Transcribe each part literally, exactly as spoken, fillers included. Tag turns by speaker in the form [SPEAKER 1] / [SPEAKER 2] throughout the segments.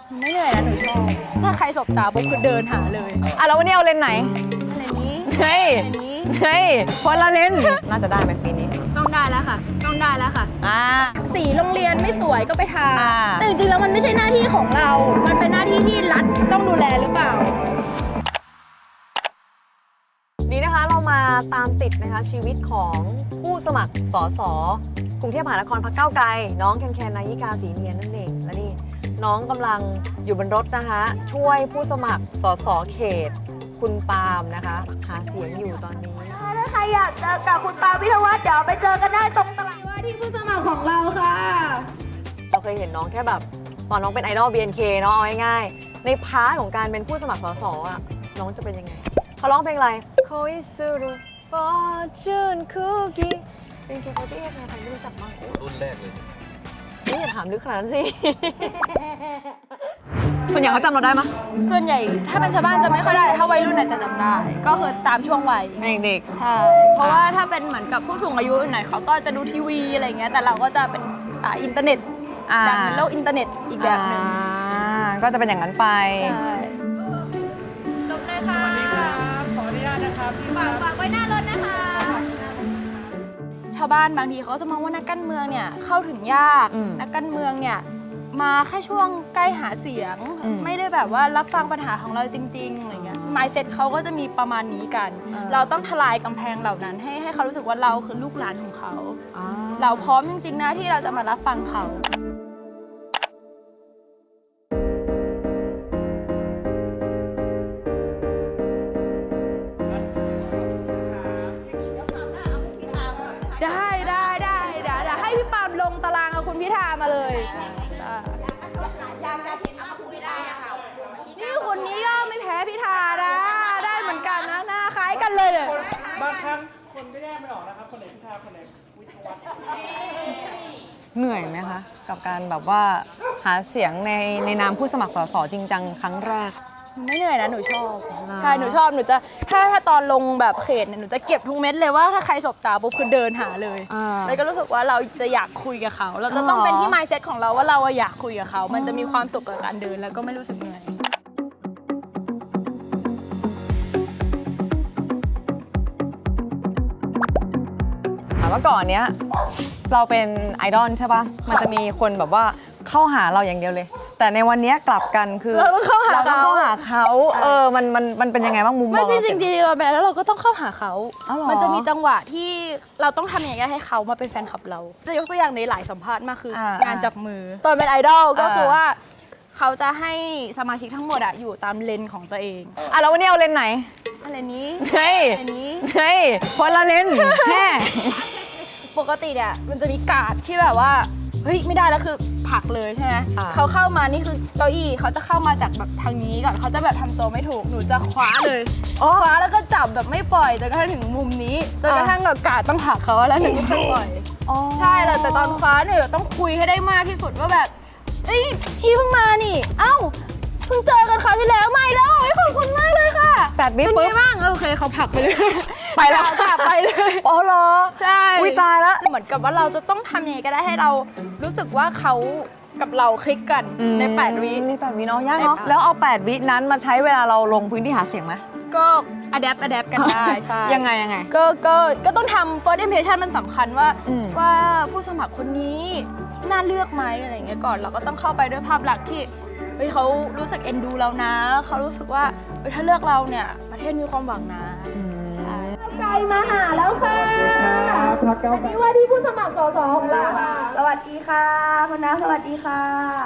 [SPEAKER 1] ไม่เหนื่อยนะหนูชอบถ้าใครสบตาปุ๊บคือเดินหาเลย
[SPEAKER 2] อ่ะแล้ววันนี้เอาเลนส์ไหน
[SPEAKER 1] อะไรนี้
[SPEAKER 2] เฮ้ย
[SPEAKER 1] อะไรนี้
[SPEAKER 2] เฮ้ยคนละเลนส์น่าจะได้ไหมปีนี้
[SPEAKER 1] ต้องได้แล้วค่ะ ต้องได้แล้วค่ะ
[SPEAKER 2] อ่า
[SPEAKER 1] สีโรงเรียนไม่สวยก็ไปทา
[SPEAKER 2] อ่า
[SPEAKER 1] แต่จริงๆแล้วมันไม่ใช่หน้าที่ของเรา มันเป็นหน้าที่ที่รัฐต้องดูแลหรือเปล่า
[SPEAKER 2] นี่นะคะเรามาตามติดนะคะชีวิตของผู้สมัครสสกรุงเทพมหานครพรรคก้าวไกลน้องแคนแคนนายิกาศรีเนียนนั่นเองและนี่น้องกำลังอยู่บนรถนะคะช่วยผู้สมัครสสเขตคุณปาล์มนะคะหาเสียงอยู่ตอนนี้
[SPEAKER 1] ถ้าใครอยากเจอกับคุณปาวิทยาวัฒน์เดี๋ยวไปเจอกันได้ตรงตลาดว่าที่ผู้สมัครของเราค่ะ
[SPEAKER 2] เราเคยเห็นน้องแค่แบบตอนน้องเป็นไอดอล บี เอ็น เค เนาะเอาง่ายๆในพาร์ทของการเป็นผู้สมัครสสอ่ะน้องจะเป็นยังไงเขาร้องเพลงอะไร Koizuru Fortune Cookie เป็นเกี่ยวกับที่ใครใครไม่รู้จักบ้าง
[SPEAKER 3] รุ่นแรกเลย
[SPEAKER 2] นี่อย่าถามลึกขนาดนั้นสิ ส่วนใหญ่เขาจำเราได้ไหม
[SPEAKER 1] ส่วนใหญ่ถ้าเป็นชาวบ้านจะไม่ค่อยได้ ถ้าวัยรุ่นอาจจะจำได้ ก็คือตามช่วงวัย
[SPEAKER 2] เด็ก
[SPEAKER 1] ใช่ เพราะว่าถ้าเป็นเหมือนกับผู้สูงอายุหน่อยเขาก็จะดูทีวีอะไรเงี้ย แต่เราก็จะเป็นสายอินเทอร์เน็ต
[SPEAKER 2] ๆอ่า
[SPEAKER 1] ดังในโลกอินเทอร์เน็ตอีกแบบหนึ่ง
[SPEAKER 2] อ่าก็จะเป็นอย่างนั้นไป
[SPEAKER 1] ใช่ลบเลยค่ะ
[SPEAKER 4] ขออนุญาตนะครับ
[SPEAKER 1] ฝากฝากไว้หน้ารถนะคะ ชาวบ้านบางทีเขาจะมองว่านักการเมืองเนี่ยเข้าถึงยาก
[SPEAKER 2] อืม
[SPEAKER 1] นักการเมืองเนี่ยมาแค่ช่วงใกล้หาเสียง
[SPEAKER 2] อืม
[SPEAKER 1] ไม่ได้แบบว่ารับฟังปัญหาของเราจริงๆอะไรเงี้ย mindset เขาก็จะมีประมาณนี้กัน
[SPEAKER 2] อ่า
[SPEAKER 1] เราต้องทลายกำแพงเหล่านั้น ให้ให้เขารู้สึกว่าเราคือลูกหลานของเขา
[SPEAKER 2] อ่า
[SPEAKER 1] เราพร้อมจริงๆนะที่เราจะมารับฟังเขา ได้ได้ได้เดี๋ยวเดี๋ยวให้พี่ปาล์มลงตารางกับคุณพิธามาเลยอ่านี่คนนี้ก็ไม่แพ้พิธานะได้เหมือนกันนะหน้าคล้ายกันเลยเนี่ย
[SPEAKER 4] บางครั้งคนไม่ได้ไม่ออกนะครับ คนไหนพิธาคนไหนวิทยาวัฒน์
[SPEAKER 2] เหนื่อยไหมคะ กับการแบบว่าหาเสียงในในนามผู้สมัครสสจริงจังครั้งแรก
[SPEAKER 1] ไม่เหนื่อยนะหนูชอบ
[SPEAKER 2] อ่า
[SPEAKER 1] ใช่หนูชอบหนูจะถ้าถ้าตอนลงแบบเขตเนี่ยหนูจะเก็บทุกเม็ดเลยว่าถ้าใครสบตาปุ๊บคือเดินหาเลย
[SPEAKER 2] อ่า
[SPEAKER 1] แล้วก็รู้สึกว่าเราจะอยากคุยกับเขา เราจะต้อง
[SPEAKER 2] อ๋อ
[SPEAKER 1] เป็นที่ mindset ของเราว่าเราอะอยากคุยกับเขา มันจะมีความสุขกับการเดินแล้วก็ไม่รู้สึกเหนื่อย
[SPEAKER 2] ถามว่าก่อนเนี้ยเราเป็นไอดอลใช่ปะมันจะมีคนแบบว่าเข้าหาเราอย่างเดียวเลย แต่ในวันเนี้ยกลับกันคือ
[SPEAKER 1] เราต้องเข้าหา
[SPEAKER 2] เราต้อง
[SPEAKER 1] เขา
[SPEAKER 2] เข้าหาเขาเออมันมันมันเป็นยังไงบ้างมุมม
[SPEAKER 1] ไม่
[SPEAKER 2] อง
[SPEAKER 1] จ
[SPEAKER 2] เรา
[SPEAKER 1] ริงๆจริงๆเราเป็นแล้วเราก็ต้องเข้าหาเขา
[SPEAKER 2] อ๋อเหรอ
[SPEAKER 1] มันจะมีจังหวะที่เราต้องทำอย่างไรให้เขามาเป็นแฟนคลับเรา จะยกตัวอย่างในหลายสัมภาษณ์มากคืออา งานจับมือ ตอนเป็นไอดอลก็
[SPEAKER 2] อ่า
[SPEAKER 1] คือว่าเขาจะให้สมาชิกทั้งหมดอะอยู่ตามเลนของตัวเอง
[SPEAKER 2] อ่ะแล้ววันนี้เอาเลนส์ไหน
[SPEAKER 1] อะไรนี้
[SPEAKER 2] เฮ้ย
[SPEAKER 1] อะไรนี้
[SPEAKER 2] เฮ้ยคนละเลนส์แฮ่
[SPEAKER 1] ปกติเนี่ยมันจะมีการ์ดที่แบบว่าเฮ้ยไม่ได้แล้วคือผลักเลยใช่ไหมเขาเข้ามานี่คือเก้าอี้เขาจะเข้ามาจากแบบทางนี้ก่อนเขาจะแบบทำตัวไม่ถูกหนูจะคว้าเลย
[SPEAKER 2] อ๋อ
[SPEAKER 1] คว้าแล้วก็จับแบบไม่ปล่อยจนกระทั่งถึงมุมนี้จนกระทั่งแบบการ์ดต้องผลักเขาแล้วถึงจะปล่อย
[SPEAKER 2] อ๋อ
[SPEAKER 1] ใช่แหละแต่ตอนคว้าเนี่ยต้องคุยให้ได้มากที่สุดว่าแบบเอ้ยพี่เพิ่งมานี่ เอ้าเพิ่งเจอกันคราวที่แล้วไม่แล้วเฮ้ยขอบคุณมากเลยค่ะ
[SPEAKER 2] แปดวิ
[SPEAKER 1] เป็น
[SPEAKER 2] ปุ๊
[SPEAKER 1] ไง
[SPEAKER 2] บ
[SPEAKER 1] บ้างเออโอเคเขาผลักไปเลย
[SPEAKER 2] ไปแล้ว
[SPEAKER 1] ผลักไปเลย
[SPEAKER 2] อ๋อเหรอ
[SPEAKER 1] ใช่
[SPEAKER 2] อุ๊ยตายละ
[SPEAKER 1] เหมือนกับว่าเราจะต้องทำยังไงก็ได้ให้เรารู้สึกว่าเขากับเราคลิกกันในแปดวิ
[SPEAKER 2] ในแปดวิเนาะยากเนาะ
[SPEAKER 1] ในแปด
[SPEAKER 2] แล้วเอาแปดวินั้นมาใช้เวลาเราลงพื้นที่หาเสียงไหม
[SPEAKER 1] ก็อะแดปอะแดปกันได้ใช่
[SPEAKER 2] ยังไงยังไง
[SPEAKER 1] ก็ก็ก็ต้องทำ first impression มันสำคัญว่า
[SPEAKER 2] อืม
[SPEAKER 1] ว่าผู้สมัครคนนี้น่าเลือกไหมอะไรอย่างเงี้ยก่อนเราก็ต้องเข้าไปด้วยภาพลักษณ์ที่เฮ้ยเขารู้สึกเอ็นดูเรานะเขารู้สึกว่าเฮ้ยถ้าเลือกเราเนี่ยประเทศมีความหวังนะใช่ไกลมาหาแล้วค่ะอันนี้ว่าที่ผู้สมัครสสของเราค่ะสวัสดีค่ะคุณน้าสวัสดีค่ะ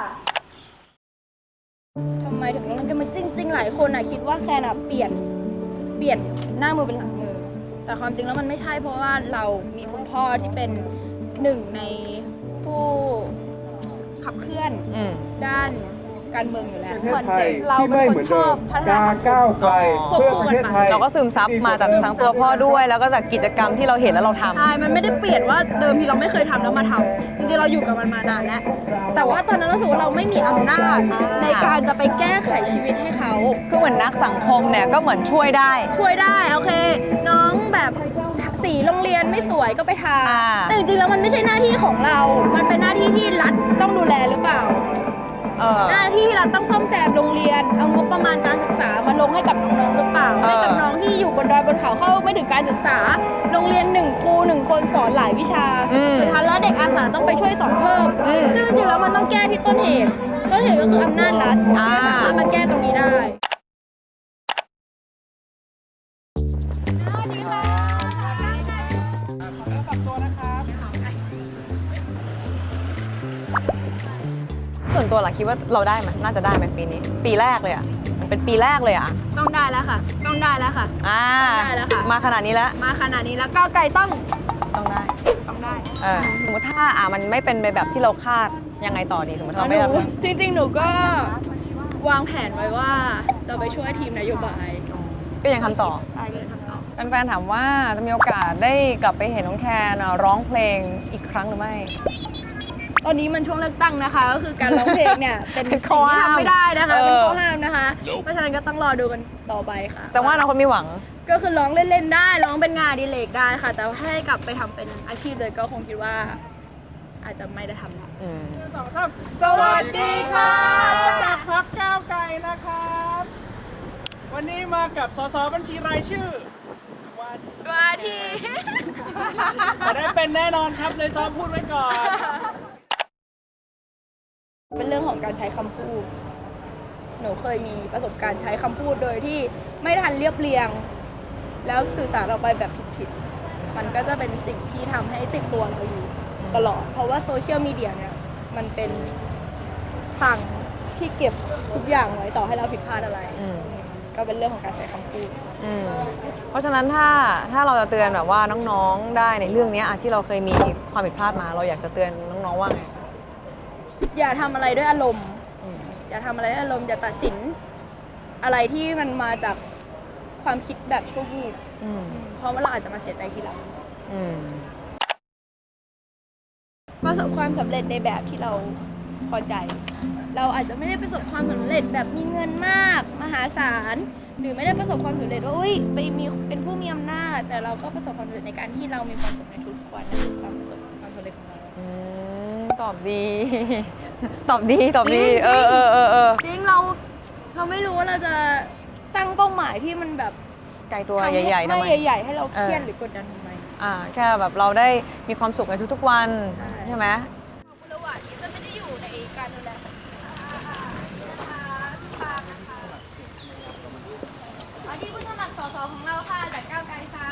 [SPEAKER 1] ทำไมถึงต้องเล่นกันมาจริง ๆ หลายคนอ่ะคิดว่าแคนอ่ะเปลี่ยนเปลี่ยนหน้ามือเป็นหลังมือ แต่ความจริงแล้วมันไม่ใช่เพราะว่าเรามีคุณพ่อที่เป็นหนึ่งในผู้ขับเคลื่อน
[SPEAKER 2] อืม
[SPEAKER 1] ด้านการเมืองอยู่แล้ว
[SPEAKER 4] ประเท
[SPEAKER 1] เหมื
[SPEAKER 4] ศ
[SPEAKER 1] อน
[SPEAKER 4] ไทย
[SPEAKER 1] เรา
[SPEAKER 4] ที่
[SPEAKER 1] เป็น
[SPEAKER 4] ไม่
[SPEAKER 1] ค
[SPEAKER 4] เหมื
[SPEAKER 1] น
[SPEAKER 4] อน
[SPEAKER 1] ช
[SPEAKER 4] เดิ
[SPEAKER 1] อบ
[SPEAKER 4] ม
[SPEAKER 1] พัฒนา
[SPEAKER 4] การ
[SPEAKER 1] สังค
[SPEAKER 4] ก้าว
[SPEAKER 1] ม
[SPEAKER 4] ไกล
[SPEAKER 1] ควบ
[SPEAKER 4] เพื่อ
[SPEAKER 1] คู่
[SPEAKER 4] ประ
[SPEAKER 1] กัน
[SPEAKER 4] เทศ
[SPEAKER 1] ไป
[SPEAKER 4] ไทย
[SPEAKER 2] เราก็ซึมซับมาจากทั้งตัวพ่อด้วย แล้วก็จากกิจกรรมที่เราเห็นแล้วเราทำ
[SPEAKER 1] ใช่ มันไม่ได้เปลี่ยนว่าเดิมทีเราไม่เคยทำแล้วมาทำจริงๆเราอยู่กับมันมานานแล้ว แต่ว่าตอนนั้นเรารู้สึกว่าเราไม่มีอำนาจ
[SPEAKER 2] อ่า
[SPEAKER 1] ในการจะไปแก้ไขชีวิตให้เขา
[SPEAKER 2] คือเหมือนนักสังคมเนี่ยก็เหมือนช่วยได้
[SPEAKER 1] ช่วยได้โอเค น้องแบบสีโรงเรียนไม่สวยก็ไปทา
[SPEAKER 2] อ่า
[SPEAKER 1] แต่จริงๆแล้วมันไม่ใช่หน้าที่ของเรา มันเป็นหน้าที่ที่รัฐต้องดูแลหรือเปล่า
[SPEAKER 2] เเออ
[SPEAKER 1] หน้าที่เราต้องซ่อมแซมโรงเรียน เอางบประมาณการศึกษามาลงให้กับน้องๆหรือเปล่า
[SPEAKER 2] เออ
[SPEAKER 1] ให้กับน้องที่อยู่บนดอยบนเขาเข้าไม่ถึงการศึกษา โรงเรียนหนึ่งครูหนึ่งคนสอนหลายวิชา
[SPEAKER 2] อืม
[SPEAKER 1] สุดท้ายแล้วเด็กอาสาต้องไปช่วยสอนเพิ่ม
[SPEAKER 2] อืม
[SPEAKER 1] ซึ่งจริงๆแล้วมันต้องแก้ที่ต้นเหตุ ต้นเหตุก็คืออำนาจรัฐ
[SPEAKER 2] อ่า
[SPEAKER 1] ที่สามารถมาแก้ตรงนี้ได้
[SPEAKER 4] ขอเนื้อปรับตัวนะครับ
[SPEAKER 2] ส่วนตัวล่ะคิดว่าเราได้ไหมน่าจะได้ไหมปีนี้ ปีแรกเลยอ่ะมันเป็นปีแรกเลยอ่ะ
[SPEAKER 1] ต้องได้แล้วค่ะ ต้องได้แล้วค่ะ
[SPEAKER 2] อ่า
[SPEAKER 1] ได้แล้วค่ะ
[SPEAKER 2] มาขนาดนี้แล้ว
[SPEAKER 1] มาขนาดนี้แล้วก้าวไกลต้อง
[SPEAKER 2] ต้องได้
[SPEAKER 1] ต้องได้
[SPEAKER 2] เออสมมติถ้าอ่ะมันไม่เป็นไปแบบที่เราคาดยังไงต่อดีสมมติเราไม่
[SPEAKER 1] ห
[SPEAKER 2] รับ
[SPEAKER 1] นูจริงๆ หนูก็วางแผนไว้ว่าเราไปช่วยทีมนโยบาย
[SPEAKER 2] ก็ยังทำต่อ
[SPEAKER 1] ใช่ก็เลยทำต่อ
[SPEAKER 2] แฟนๆถามว่าจะมีโอกาสได้กลับไปเห็นน้องแคนอ่ะร้องเพลงอีกครั้งหรือไม่
[SPEAKER 1] ตอนนี้มันช่วงเลือกตั้งนะคะ ก็คือการร้องเพลงเนี่ย เป็น
[SPEAKER 2] เป็น
[SPEAKER 1] สิ่ง
[SPEAKER 2] ข้อ
[SPEAKER 1] ที่
[SPEAKER 2] ห้าม
[SPEAKER 1] ทำไม่ได้นะคะ
[SPEAKER 2] เออ
[SPEAKER 1] เป็นข้อห้ามนะคะ เพราะฉะนั้นก็ต้องรอดูกันต่อไปค่ะ
[SPEAKER 2] แต่ว่าเราคนมีหวัง
[SPEAKER 1] ก็คือร้องเล่นๆได้ ร้องเป็นงานอดิเรกได้ค่ะ แต่ว่าให้กลับไปทำเป็นอาชีพเลยก็คงคิดว่า อาจจะไม่ได้ทำละ
[SPEAKER 2] อืม
[SPEAKER 4] สองสามสวัสดีค่ะ จากพรรคก้าวไกลนะครับ วันนี้มากับสสบัญชีรายชื่อว่า
[SPEAKER 1] ว่าที่
[SPEAKER 4] จะได้เป็นแน่นอนครับเลยซ้อมพูดไว้ก่อน
[SPEAKER 1] เป็นเรื่องของการใช้คำพูด หนูเคยมีประสบการณ์ใช้คำพูดโดยที่ไม่ทันเรียบเรียง แล้วสื่อสารออกไปแบบผิดๆ มันก็จะเป็นสิ่งที่ทำให้ติดตัวเราอยู่ตลอด เพราะว่าโซเชียลมีเดียเนี่ยมันเป็นทางที่เก็บทุกอย่างไว้ต่อให้เราผิดพลาดอะไร
[SPEAKER 2] อืม
[SPEAKER 1] ก็เป็นเรื่องของการใช้คำพูด
[SPEAKER 2] อืมเพราะฉะนั้นถ้าถ้าเราจะเตือนแบบว่าน้องๆได้ในเรื่องเนี้ยอ่ะที่เราเคยมีความผิดพลาดมา เราอยากจะเตือนน้องๆว่าไง
[SPEAKER 1] อย่าทำอะไรด้วยอารมณ์
[SPEAKER 2] อืม
[SPEAKER 1] อย่าทำอะไรด้วยอารมณ์อย่าตัดสินอะไรที่มันมาจากความคิดแบบชั่ววูบ
[SPEAKER 2] อืม
[SPEAKER 1] เพราะว่าเราอาจจะมาเสียใจทีหลัง
[SPEAKER 2] อืม
[SPEAKER 1] ประสบความสำเร็จในแบบที่เราพอใจ เราอาจจะไม่ได้ประสบความสำเร็จแบบมีเงินมากมหาศาล หรือไม่ได้ประสบความสำเร็จว่าอุ้ยไปมีเป็นผู้มีอำนาจ แต่เราก็ประสบความสำเร็จในการที่เรามีความสุขในทุกๆวันนั่นคือความประสบความสำเร็จของเรา
[SPEAKER 2] อืมตอบดี ตอบดีตอบดี
[SPEAKER 1] จริง
[SPEAKER 2] เออเออเออเออ
[SPEAKER 1] จริงเราเราไม่รู้ว่าเราจะตั้งเป้าหมายที่มันแบบ
[SPEAKER 2] ไกลตัว
[SPEAKER 1] ทำ
[SPEAKER 2] ใหญ่ๆทำไม
[SPEAKER 1] ไม่ใหญ่ๆให้เราเครียด
[SPEAKER 2] เออ
[SPEAKER 1] หรือกดดันทำไม
[SPEAKER 2] อ่าแค่แบบเราได้มีความสุขในทุกๆวัน
[SPEAKER 1] ใช่
[SPEAKER 2] ใช่ไหม
[SPEAKER 1] ขอบคุณระหว่างนี้จะไม่ได้อยู่ในการดูแลของอันนี้ผู้สมัครสสของเราค่ะจากก้าวไกลค่ะ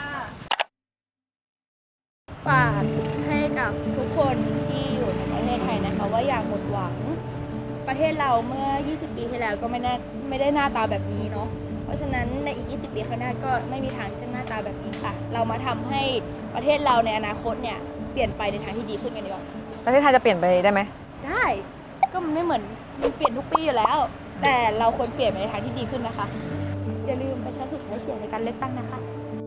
[SPEAKER 1] ฝากให้กับทุกคนที่อยู่ในประเทศไทยนะคะว่าอย่าหมดหวัง ประเทศเราเมื่อ ยี่สิบ ปีที่แล้วก็ไม่ได้ไม่ได้หน้าตาแบบนี้เนาะ เพราะฉะนั้นในอีก ยี่สิบ ปีข้างหน้าก็ไม่มีทางจะหน้าตาแบบนี้ค่ะ เรามาทำให้ประเทศเราในอนาคตเนี่ยเปลี่ยนไปในทางที่ดีขึ้นกันดีกว่า
[SPEAKER 2] ประเทศไทยจะเปลี่ยนไปได้ไหม
[SPEAKER 1] ได้ ก็มันไม่เหมือนมันเปลี่ยนทุกปีอยู่แล้ว แต่เราควรเปลี่ยนไปในทางที่ดีขึ้นนะคะ อย่าลืมไปใช้สิทธิ์ใช้เสียงในการเลือกตั้งนะคะ